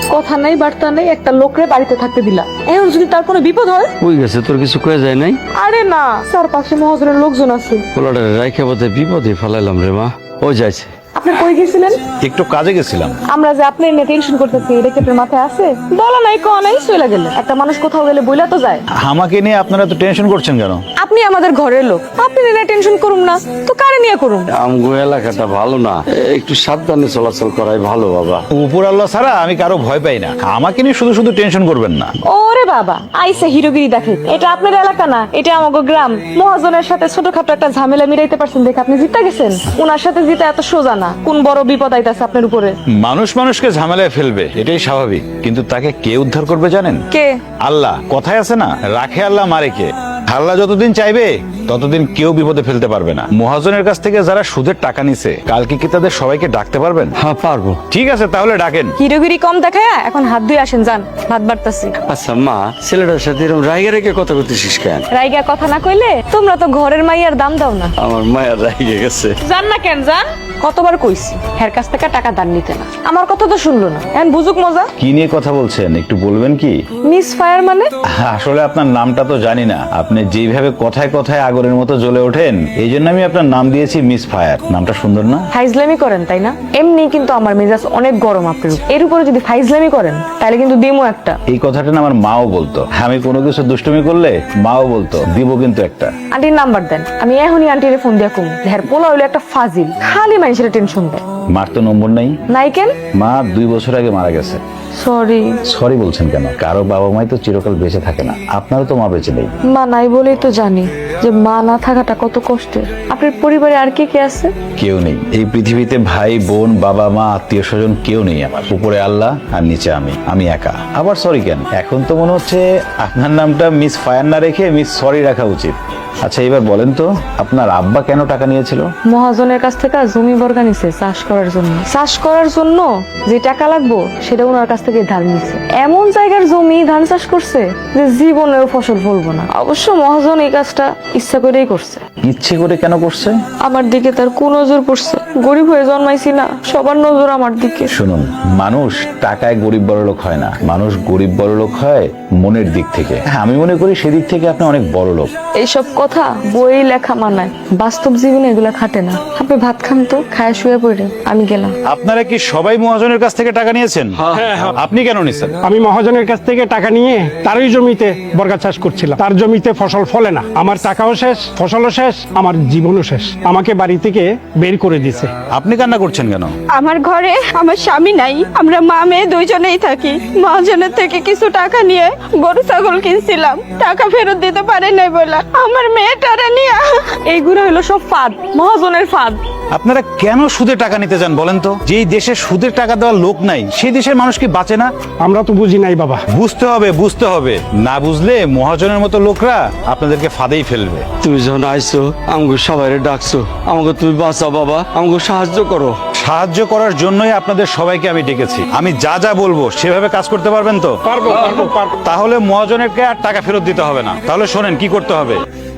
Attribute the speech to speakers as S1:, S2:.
S1: কথা নাই বার্তা নাই, একটা লোকরে বাড়িতে থাকতে দিলা। এখন যদি তার কোনো বিপদ হয়?
S2: ওই গেছে, তোর কিছু কয়ে যায় নাই?
S1: আরে না, চারপাশে মহাজনের লোকজন আছে।
S2: পোলাটারে রাইখা বোধ বিপদে ফেলাইলাম রে মা। ও যাইছে।
S1: আপনি কই গেছিলেন?
S3: একটু কাজে গেছিলাম।
S1: আমরা যে আপনি নিয়ে টেনশন করতেছি, এটা কি আপনার মাথায় আছে? বলা নাই কো নাই, চলে গেল। একটা মানুষ কোথাও গেলে বইলা তো যায়।
S3: আমাকে নিয়ে আপনারা তো টেনশন করছেন কেন?
S1: আপনি আমাদের ঘরের লোক, আপনি নিয়ে টেনশন করুন না তো কারে নিয়ে করুন?
S2: আমগো এলাকাটা ভালো না, একটু সাবধানে চলাচল করাই ভালো বাবা।
S3: উপর আল্লাহ ছাড়া আমি কারো ভয় পাই না। আমাকে নিয়ে শুধু শুধু টেনশন করবেন না।
S1: ওরে বাবা, আইসে হিরোগিরি দেখে। এটা আপনার এলাকা না, এটা আমাগো গ্রাম। মহাজনের সাথে ছোটখাটো একটা ঝামেলা মিলাইতে পারছেন দেখে আপনি জিতে গেছেন। ওনার সাথে জিতে এত সোজা না। কোন বড় বিপদ আইতাছে আপনার উপরে?
S3: মানুষ মানুষকে ঝামেলায় ফেলবে, এটাই স্বাভাবিক, কিন্তু তাকে কে উদ্ধার করবে জানেন?
S1: কে?
S3: আল্লাহ। কথায় আছে না, রাখে আল্লাহ মারে কে। আল্লাহ যতদিন চাইবে ততদিন কেউ বিপদে ফেলতে পারবে না। মহাজনের কাছ থেকে যারা সুদের টাকা নিছে, কালকে কি তাদের সবাইকে ডাকতে পারবেন?
S2: হ্যাঁ পারবো।
S3: ঠিক আছে, তাহলে ডাকেন।
S1: হিরোগিরি কম দেখায় এখন হাত ধুয়ে আসেন, যান, ভাত বাড়তাছি।
S2: আচ্ছা মা, ছেলেটার সাথে এরকম রাইগে রেখে কথা করতেছিস কেন?
S1: রাইগা কথা না কইলে তোমরা তো ঘরের মাইয়ার দাম দাও না।
S2: আমার মায়ের রাইগে গেছে।
S1: জান না কেন যান? কতবার কইছি হের কাছ থেকে টাকা ধার নিতে না। আমার কথা তো শুনলো না। এখন বুঝুক মজা।
S3: কি নিয়ে কথা বলছেন একটু বলবেন কি?
S1: মিস ফায়ার মানে?
S3: আসলে আপনার নামটা তো জানি না। আপনি যেভাবে কথায় কথায় আগরের মতো জ্বলে ওঠেন, এই জন্য আমি আপনার নাম দিয়েছি মিস ফায়ার। নামটা সুন্দর না?
S1: ফাইজলামি করেন তাই না? এমনি কিন্তু আমার মেজাজ অনেক গরম আপনার উপর। এর উপরে যদি ফাইজলামি করেন তাহলে কিন্তু দিমো একটা।
S3: এই কথাটা না আমার মাও বলতো। আমি কোনো কিছু দুষ্টুমি করলে মাও বলতো দিব কিন্তু একটা।
S1: আন্টির নাম্বার দেন, আমি এখনই আন্টিরে ফোন দিয়া কম। হের পোলা হইলো একটা ফাজিল, খালি মানুষের টেনশন দেয়।
S3: মার তো নম্বর নাই।
S1: নাই কেন?
S3: মা 2 বছর আগে মারা গেছে।
S1: সরি।
S3: সরি বলছেন কেন? কারো বাবা মাই তো চিরকাল বেঁচে থাকে না। আপনারও তো মা বেঁচে নেই।
S1: মা নাই বলেই তো জানি যে মা না থাকাটা কত কষ্টের। আপনার পরিবারে আর কে কে আছে?
S3: কেউ নেই এই পৃথিবীতে। ভাই বোন বাবা মা আত্মীয় স্বজন কেউ নেই আমার। উপরে আল্লাহ আর নিচে আমি একা। আবার সরি কেন? এখন তো মনে হচ্ছে আপনার নামটা মিস ফায়ার না রেখে মিস সরি রাখা উচিত। আচ্ছা এবার বলেন তো, আপনার আব্বা কেন টাকা নিয়েছিল?
S1: মহাজনের কাছ থেকে জমি বর্গা নিছে চাষ করার জন্য। চাষ করার জন্য যে টাকা লাগবো সেটা ওনার কাছ থেকে ধার নিছে। এমন জায়গার জমি ধান চাষ করছে যে জীবনেও ফসল ফলবো না। অবশ্য মহাজন এই কাজটা ইচ্ছা করেই করছে।
S3: ইচ্ছে করে কেন করছে?
S1: আমার দিকে তার কোন নজর পড়ছে? গরিব হয়ে জন্মাইছি না, সবার নজর আমার দিকে।
S3: শুনুন, মানুষ টাকায় গরিব বড়লোক হয় না। মানুষ গরিব বড়লোক হয় মনের দিক থেকে। হ্যাঁ, আমি মনে করি সেদিক থেকে আপনি অনেক বড় লোক।
S1: এইসব কথা বই লেখা মানায়, বাস্তব জীবনে এগুলা খাটে না। আপনি ভাত খান তো, খায় শুয়ে পড়ে আমি গেলাম।
S3: আপনারা কি সবাই মহাজনের কাছ থেকে টাকা নিয়েছেন? আপনি কেন নিছেন?
S4: আমি মহাজনের কাছ থেকে টাকা নিয়ে তারই জমিতে বর্গা চাষ করছিলাম। তার জমিতে ফসল ফলে না, আমার টাকাও শেষ, ফসলও শেষ, আমার জীবনও শেষ। আমাকে বাড়ি থেকে বের করে দিছে।
S3: আপনি কান্না করছেন কেন?
S5: আমার ঘরে আমার স্বামী নাই, আমরা মা মেয়ে দুইজনেই থাকি। মহাজনের থেকে কিছু টাকা নিয়ে গরু ছাগল কিনছিলাম, টাকা ফেরত দিতে পারে নাই বলে আমার মেয়েটারে নিয়ে।
S1: এইগুলো হলো সব ফাঁদ, মহাজনের ফাঁদ।
S3: আপনারা কেন সুদে টাকা নিতে যান বলেন তো? যেই দেশে সুদের টাকা দেওয়ার লোক নাই, সেই দেশের মানুষ কি বাঁচে না?
S4: আমরা তো বুঝি নাই বাবা।
S3: বুঝতে হবে, বুঝতে হবে। না বুঝলে মহাজনের মতো লোকরা আপনাদেরকে ফাঁদেই ফেলবে।
S2: তুমি যখন আইছো আমাকে সবাই ডাকছো, আমাকে তুমি বাঁচাও বাবা, আমাকে সাহায্য করো।
S3: সাহায্য করার জন্যই আপনাদের সবাইকে আমি ডেকেছি। আমি যা যা বলবো সেভাবে কাজ করতে পারবেন তো?
S4: পারবো পারবো পারবো।
S3: তাহলে মহাজনেরকে আর টাকা ফেরত দিতে হবে না। তাহলে শোনেন কি করতে হবে।